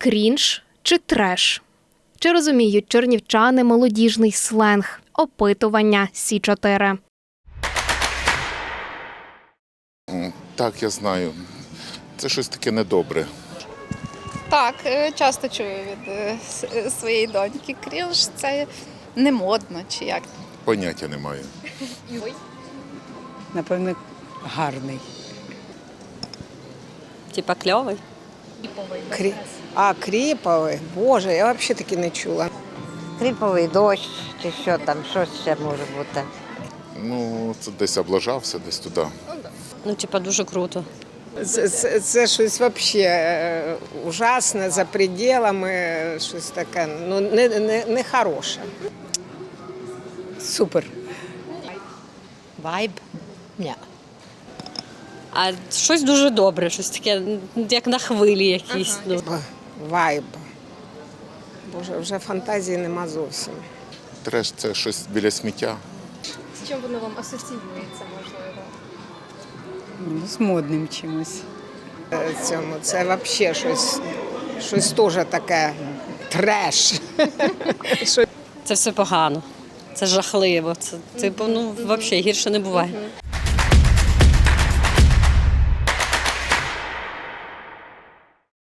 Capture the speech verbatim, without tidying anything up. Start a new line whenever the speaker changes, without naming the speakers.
крінж чи треш? Чи розуміють чернівчани молодіжний сленг? Опитування Сі чотири.
Так, я знаю. Це щось таке недобре.
Так, е, часто чую від е, с- своєї доньки. Крінж – це не модно чи як.
Поняття не маю.
Напевно, гарний.
Типа кльовий.
Крі... А, кріповий? Боже, я взагалі таки не чула.
Кріповий дощ чи що там, що ще може бути.
Ну, це десь облажався, десь туди.
Ну, типа, дуже круто.
Це, це, це щось взагалі е, ужасне, за пределами, щось таке, ну, не, не, не хороше. Супер.
Вайб? Ні.
А щось дуже добре, щось таке, як на хвилі якісь. Ну.
Б- Вайб. Боже, вже фантазії нема зовсім.
Треш – це щось біля сміття.
З чим воно вам асоціюється, можливо?
Ну, з модним чимось.
Е, Цьому, це взагалі щось, щось теж таке треш.
Це все погано. Це жахливо. Це, типу, ну, взагалі гірше не буває.